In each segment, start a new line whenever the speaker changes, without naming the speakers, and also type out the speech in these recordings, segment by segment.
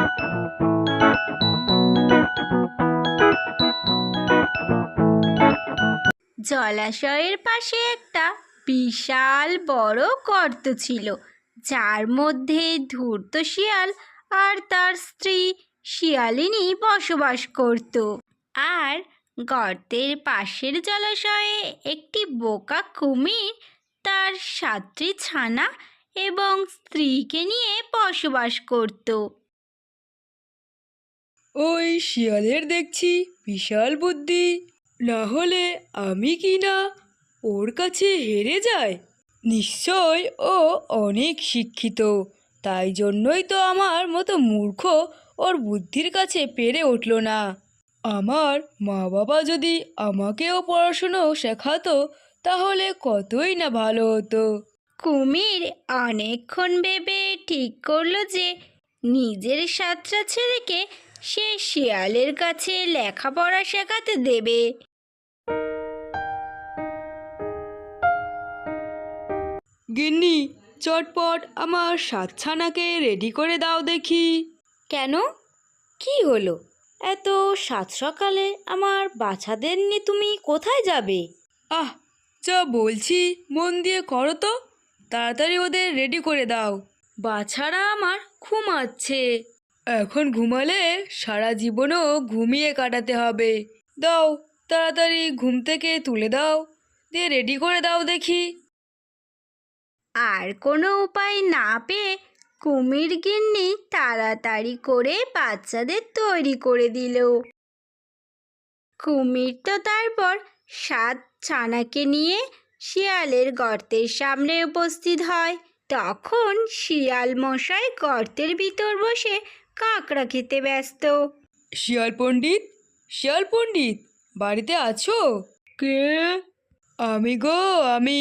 জলাশয়ের পাশে একটা বিশাল বড় গর্ত ছিল, যার মধ্যে ধূর্ত শিয়াল আর তার স্ত্রী শিয়ালিনী বসবাস করত। আর গর্তের পাশের জলাশয়ে একটি বোকা কুমির তার 7টি ছানা এবং স্ত্রীকে নিয়ে বসবাস করত।
ওই শিয়ালের দেখছি বিশাল বুদ্ধি, না হলে আমি কি না ওর কাছে হেরে যাই? নিশ্চয় ও অনেক শিক্ষিত, তাই জন্যই তো আমার মতো মূর্খ ওর বুদ্ধির কাছে পেরে উঠল না। আমার মা বাবা যদি আমাকেও পড়াশুনো শেখাতো তাহলে কতই না ভালো হতো।
কুমির অনেকক্ষণ ভেবে ঠিক করলো যে নিজের 7টা ছেলেকে সে শিয়ালের কাছে লেখাপড়া শেখাতে দেবে।
গিন্নি, চটপট আমার 7 ছানাকে রেডি করে দাও দেখি।
কেন, কি হলো? এত সাত সকালে আমার বাচ্চাদের নিয়ে তুমি কোথায় যাবে?
আহ, যা বলছি মন দিয়ে করো তো, তাড়াতাড়ি ওদের রেডি করে দাও।
বাছারা আমার ঘুমাচ্ছে।
এখন ঘুমালে সারা জীবনও ঘুমিয়ে কাটাতে হবে। দাও, তাড়াতাড়ি ঘুম থেকে তুলে দাও, দিয়ে রেডি করে দাও দেখি।
আর কোনো উপায় না পেয়ে কুমির গিন্নি তাড়াতাড়ি করে বাচ্চাদের তৈরি করে দিল। কুমির তো তারপর 7 ছানাকে নিয়ে শিয়ালের গর্তের সামনে উপস্থিত হয়। তখন শিয়াল মশাই গর্তের ভিতর বসে কাঁকড়া খেতে ব্যস্ত।
শিয়াল পণ্ডিত, শিয়াল পণ্ডিত, বাড়িতে আছো? কে? আমি গো, আমি।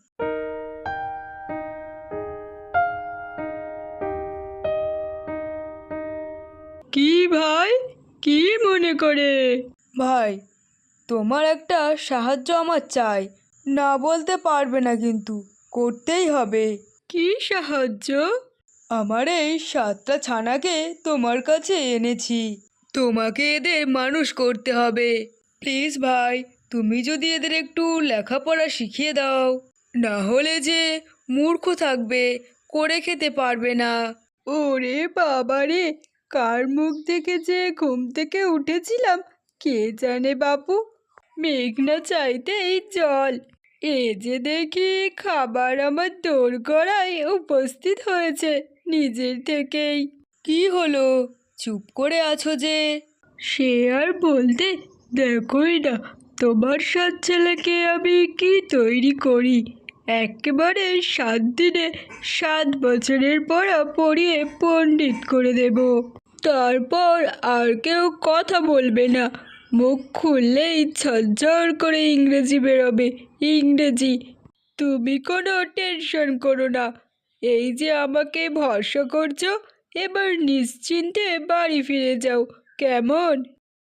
কি ভাই, কি মনে করে? ভাই, তোমার একটা সাহায্য আমার চাই। না বলতে পারবে না কিন্তু করতেই হবে। কি সাহায্য? আমার এই 7টা ছানাকে তোমার কাছে এনেছি, তোমাকে এদের মানুষ করতে হবে। প্লিজ ভাই, তুমি যদি এদের একটু লেখাপড়া শিখিয়ে দাও, না হলে যে মূর্খ থাকবে, করে খেতে পারবে না। ওরে বাবা রে, কার মুখ দেখে যে ঘুম থেকে উঠেছিলাম কে জানে বাপু। মেঘ না চাইতেই জল, এ যে দেখি খাবার আমার দোরগোড়ায় উপস্থিত হয়েছে নিজের থেকেই। কি হলো, চুপ করে আছো যে? সে আর বলতে, দেখোই না তোমার 7 ছেলেকে আমি কি তৈরি করি। একেবারে 7 দিনে 7 বছরের পড়া পড়িয়ে পণ্ডিত করে দেব। তারপর আর কেউ কথা বলবে না, মুখ খুললেই ঝরঝর করে ইংরেজি বেরোবে, ইংরেজি। তুমি কোনো টেনশন করো না, এই যে আমাকে ভরসা করছো, এবার নিশ্চিন্তে বাড়ি ফিরে যাও, কেমন?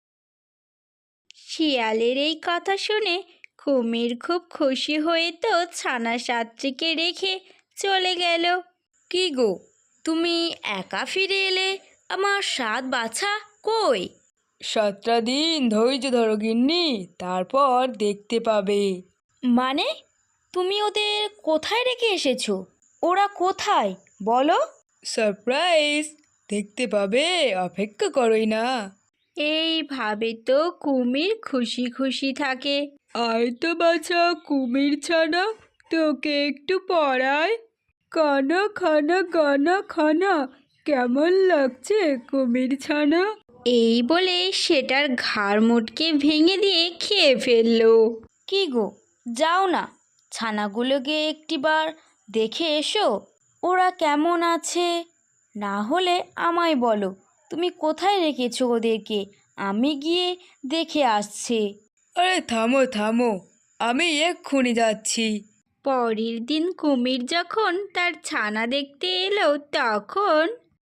শিয়ালের এই কথা শুনে কুমির খুব খুশি হয়ে তো ছানা 7টিকে রেখে চলে গেল।
কি গো, তুমি একা ফিরে এলে? আমার 7 বাছা কই?
7টা দিন ধৈর্য ধরো গিন্নি, তারপর দেখতে পাবে।
মানে, তুমি ওদের কোথায় রেখে এসেছো? ওরা কোথায় বলো?
সারপ্রাইজ, দেখতে পাবে, অপেক্ষা করোই না।
এইভাবে তো কুমির খুশি খুশি থাকে।
আয় তো বাছা কুমির ছানা, তোকে একটু পড়াই। কানা খানা গানা খানা, কেমন লাগছে কুমির ছানা?
এই বলে সেটার ঘাড় মোটকে ভেঙে দিয়ে খেয়ে ফেললো।
কি গো, যাও না, ছানাগুলোকে একটিবার দেখে এসো, ওরা কেমন আছে। না হলে আমায় বলো তুমি কোথায় রেখেছো ওদেরকে, আমি গিয়ে দেখে আসছি।
আরে থামো থামো, আমি এক্ষুনি যাচ্ছি।
পরের দিন কুমির যখন তার ছানা দেখতে এলো তখন,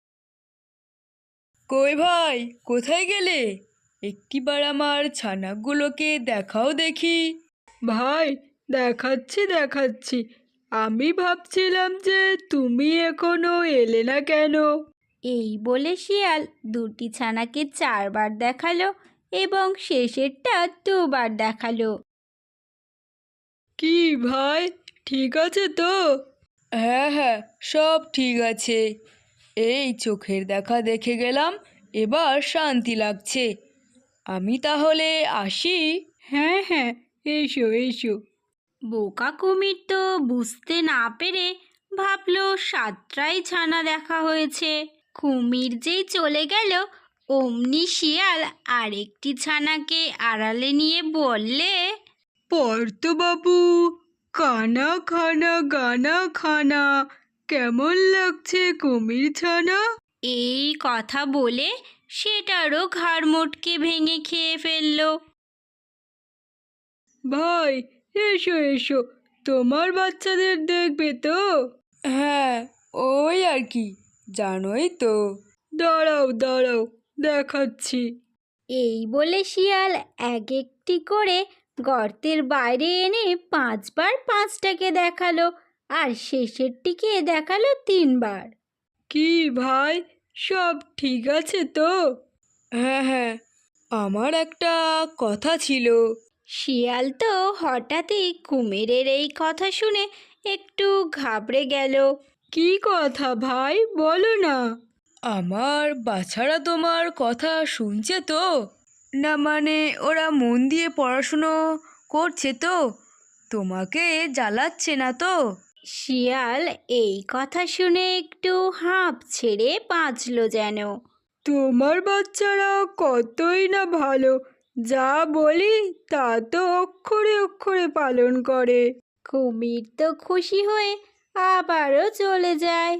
কই ভাই, কোথায় গেলে? একটিবার আমার ছানাগুলোকে দেখাও দেখি। ভাই, দেখাচ্ছি দেখাচ্ছি, আমি ভাবছিলাম যে তুমি এখনো এলে না কেন।
এই বলে শিয়াল দুটি ছানাকে 4বার দেখালো এবং শেষেরটা 2বার দেখালো।
কি ভাই, ঠিক আছে তো? হ্যাঁ হ্যাঁ, সব ঠিক আছে। এই চোখের দেখা দেখে গেলাম, এবার শান্তি লাগছে। আমি তাহলে আসি। হ্যাঁ হ্যাঁ, এসো এসো।
বোকা কুমির তো বুঝতে না পেরে ভাবলো 7টাই ছানা দেখা হয়েছে। কুমির যেই চলে গেল অমনি শিয়াল আরেকটি ছানাকে আড়ালে নিয়ে বললে,
পার্থবাবু, কানা খানা গানা খানা, কেমন লাগছে কুমির ছানা?
এই কথা বলে সেটারও ঘাড় মোটকে ভেঙে খেয়ে ফেললো।
ভাই, এসো এসো, তোমার বাচ্চাদের দেখবে তো? হ্যাঁ, ওই আর কি, জানোই তো। দাঁড়াও দাঁড়াও, দেখাচ্ছি।
এই বলে শিয়াল এক একটি করে গর্তের বাইরে এনে 5বার 5টাকে দেখালো আর শেষেরটিকে দেখালো 3বার।
কি ভাই, সব ঠিক আছে তো? হ্যাঁ হ্যাঁ, আমার একটা কথা ছিল।
শিয়াল তো হঠাৎই কুমিরের এই কথা শুনে একটু ঘাবড়ে গেল।
কি কথা ভাই, বলো না। আমার বাছারা তোমার কথা শুনছে তো? না মানে ওরা মন দিয়ে পড়াশুনো করছে তো? তোমাকে জ্বালাচ্ছে না তো?
শিয়াল এই কথা শুনে একটু হাঁপ ছেড়ে বাঁচল যেন।
তোমার বাচ্চারা কতই না ভালো, যা বলি তা তো অক্ষরে অক্ষরে পালন করে।
কুমির তো খুশি হয়ে আবারও চলে যায়।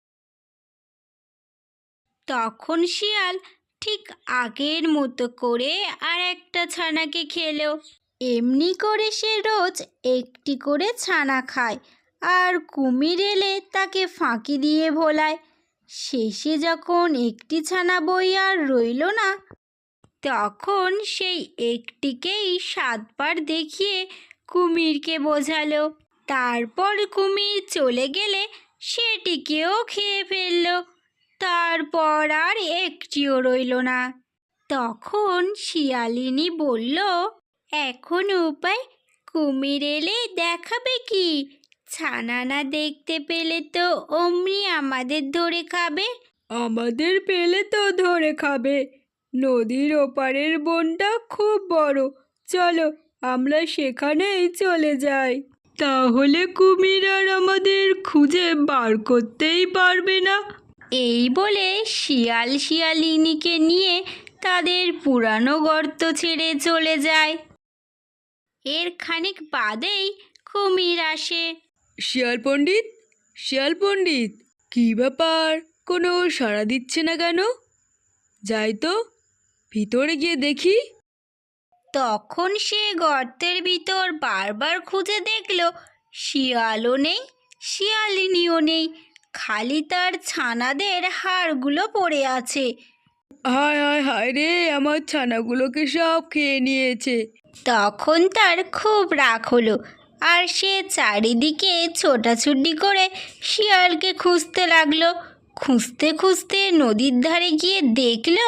তখন শিয়াল ঠিক আগের মতো করে আর একটা ছানাকে খেলো। এমনি করে সে রোজ একটি করে ছানা খায় আর কুমির এলে তাকে ফাঁকি দিয়ে ভোলায়। শেষে যখন একটি ছানা বই আর রইল না, তখন সেই একটিকেই 7বার দেখিয়ে কুমিরকে বোঝালো। তারপর কুমির চলে গেলে সেটিকেও খেয়ে ফেললো। তারপর আর একটিও রইল না। তখন শিয়ালিনী বলল, এখন উপায়, কুমির এলে দেখাবে কি? ছানা না দেখতে পেলে তো অমনি আমাদের ধরে খাবে।
আমাদের পেলে তো ধরে খাবে। নদীর ওপারের বনটা খুব বড়, চলো আমরা সেখানেই চলে যাই। তাহলে কুমির আর আমাদের খুঁজে বার করতেই পারবে না।
এই বলে শিয়াল শিয়ালিনীকে নিয়ে তাদের পুরানো গর্ত ছেড়ে চলে যায়। এর খানিক বাদেই কুমির আসে।
শিয়াল পণ্ডিত, শিয়াল পণ্ডিত, কি ব্যাপার, কোনো সাড়া দিচ্ছে না কেন? যাই তো, ভিতরে গিয়ে দেখি।
তখন সে গর্তের ভিতর বারবার খুঁজে দেখলো শিয়ালও নেই, শিয়ালিনীও নেই, খালি তার ছানাদের হাড়গুলো পড়ে আছে।
হায় হায় হায় রে, আমার ছানাগুলোকে সব খেয়ে নিয়েছে।
তখন তার খুব রাগ হলো আর সে চারিদিকে ছোটাছুটি করে শিয়ালকে খুঁজতে লাগলো। খুঁজতে খুঁজতে নদীর ধারে গিয়ে দেখলো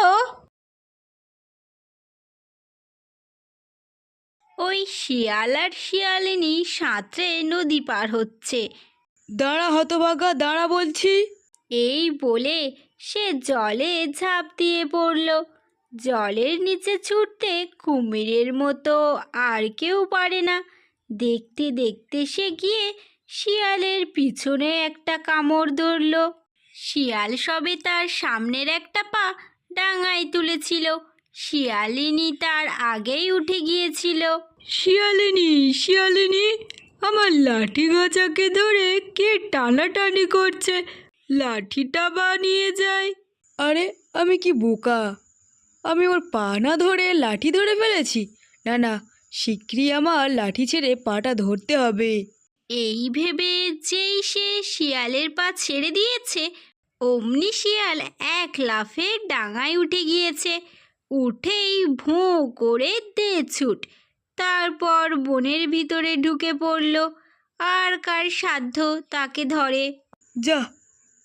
ওই শিয়াল আর শিয়ালিনী সাঁতরে নদী পার হচ্ছে।
দাঁড়া হতভাগা, দাঁড়া বলছি।
এই বলে সে জলে ঝাঁপ দিয়ে পড়ল। জলের নিচে ছুটতে কুমিরের মতো আর কেউ পারে না। দেখতে দেখতে সে গিয়ে শিয়ালের পিছনে একটা কামড় ধরল। শিয়াল সবে তার সামনের একটা পা ডাঙায় তুলেছিল, শিয়ালিনী তার আগেই উঠে গিয়েছিল।
শিয়ালিনী, শিয়ালিনী, আমার লাঠি গাছাকে ধরে কে টানাটানি করছে, লাঠিটা বানিয়ে যায়। আরে আমি কি বোকা, আমি ওর পা না ধরে লাঠি ধরে ফেলেছি? না না, শিগগিরই আমার লাঠি ছেড়ে পাটা ধরতে হবে।
এই ভেবে যেই সে শিয়ালের পা ছেড়ে দিয়েছে অমনি শিয়াল এক লাফে ডাঙায় উঠে গিয়েছে। উঠেই ভোঁ করে দে ছুট। তারপর বনের ভিতরে ঢুকে পড়ল। আর কার সাধ্য তাকে ধরে।
যা,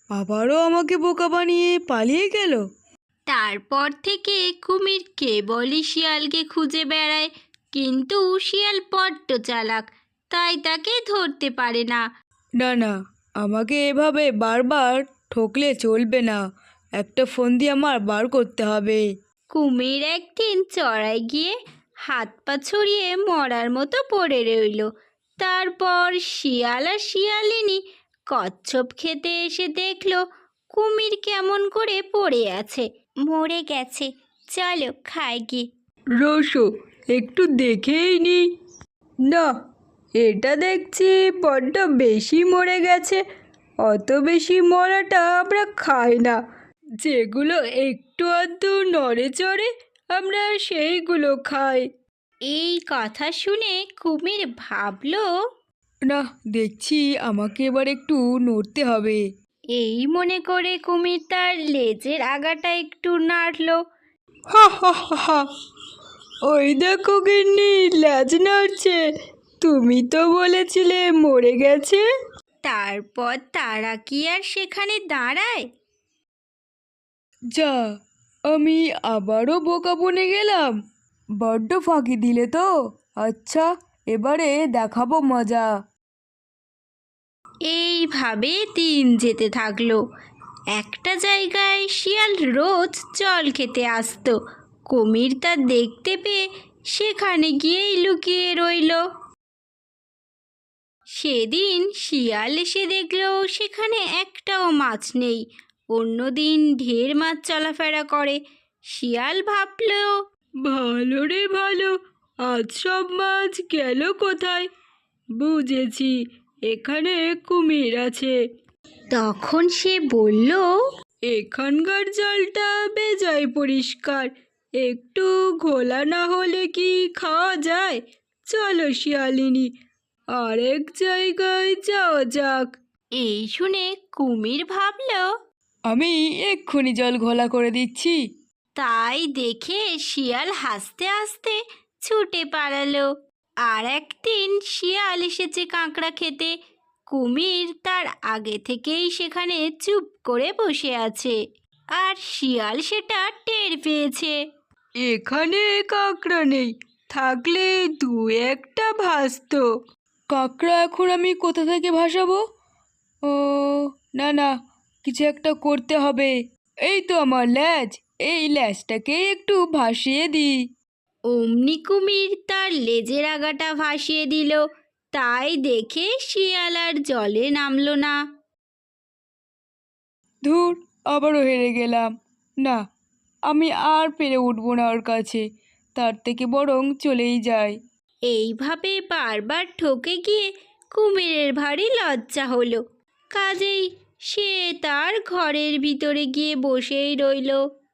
আবারও আমাকে বোকা বানিয়ে পালিয়ে গেল।
তারপর থেকে কুমির কেবলই শিয়ালকে খুঁজে বেড়ায়, কিন্তু শিয়াল বড্ড চালাক, তাই তাকে ধরতে পারে না।
না না, আমাকে এভাবে বারবার ঠকলে চলবে না, একটা ফন্দি আমার বার করতে হবে।
কুমির একদিন চড়াই গিয়ে হাত পা ছড়িয়ে মরার মতো পড়ে রইল। তারপর শিয়াল আর শিয়ালিনী কচ্ছপ খেতে এসে দেখলো কুমির কেমন করে পড়ে আছে, মরে গেছে। চলো খাই গিয়ে।
রসো, একটু দেখেই নি। না, এটা দেখছি বড্ড বেশি মরে গেছে। অত বেশি মরাটা আমরা খাই না। যেগুলো একটু আধটু নড়ে চড়ে আমরা সেইগুলো খাই।
এই কথা শুনে কুমির ভাবলো,
না, দেখছি আমাকে এবার একটু নড়তে হবে।
এই মনে করে কুমির তার লেজের আগাটা একটু নাড়ল।
হা হা হা হা, ওই দেখো গিন্নি, লেজ নড়ছে। তুমি তো বলেছিলে মরে গেছে।
তারপর তারা কি আর সেখানে দাঁড়ায়?
যা, আমি আবারও বোকা বনে গেলাম। বড্ড ফাঁকি দিলে তো। আচ্ছা, এবারে দেখাবো মজা।
এইভাবে দিন যেতে থাকলো। একটা জায়গায় শিয়াল রোজ জল খেতে আসতো। কুমির তা দেখতে পেয়ে সেখানে গিয়েই লুকিয়ে রইল। সেদিন শিয়াল এসে দেখলো সেখানে একটাও মাছ নেই। অন্যদিন ঢের মাছ চলাফেরা করে। শিয়াল ভাবলো,
ভালো রে ভালো, আজ সব মাছ গেল কোথায়? বুঝেছি, এখানে কুমির আছে।
তখন সে বলল,
এখানকার জলটা বেজায় পরিষ্কার, একটু ঘোলা না হলে কি খাওয়া যায়? চলো শিয়ালিনী, আরেক জায়গায় যাওয়া যাক।
এই শুনে কুমির ভাবলো,
আমি এক্ষুনি জল ঘোলা করে দিচ্ছি।
তাই দেখে শিয়াল হাসতে হাসতে ছুটে পালালো। আর একদিন শিয়াল এসেছে কাঁকড়া খেতে। কুমির তার আগে থেকেই সেখানে চুপ করে বসে আছে, আর শিয়াল সেটা টের পেয়েছে।
এখানে কাঁকড়া নেই, থাকলে দু একটা ভাসতো। কাঁকড়া এখন আমি কোথা থেকে ভাসাবো? ও, না না, কিছু একটা করতে হবে। এই তো আমার ল্যাজ, এই ল্যাজটাকে একটু ভাসিয়ে দিই।
অমনি কুমির তার লেজের আগাটা ভাসিয়ে দিল। তাই দেখে শিয়াল আর জলে নামলো না।
ধুর, আবারও হেরে গেলাম। না, আমি আর পেরে উঠবো না ওর কাছে, তার থেকে বরং চলেই যাই।
এইভাবে বারবার ঠকে গিয়ে কুমিরের ভারী লজ্জা হলো। কাজেই সে তার ঘরের ভিতরে গিয়ে বসেই রইল।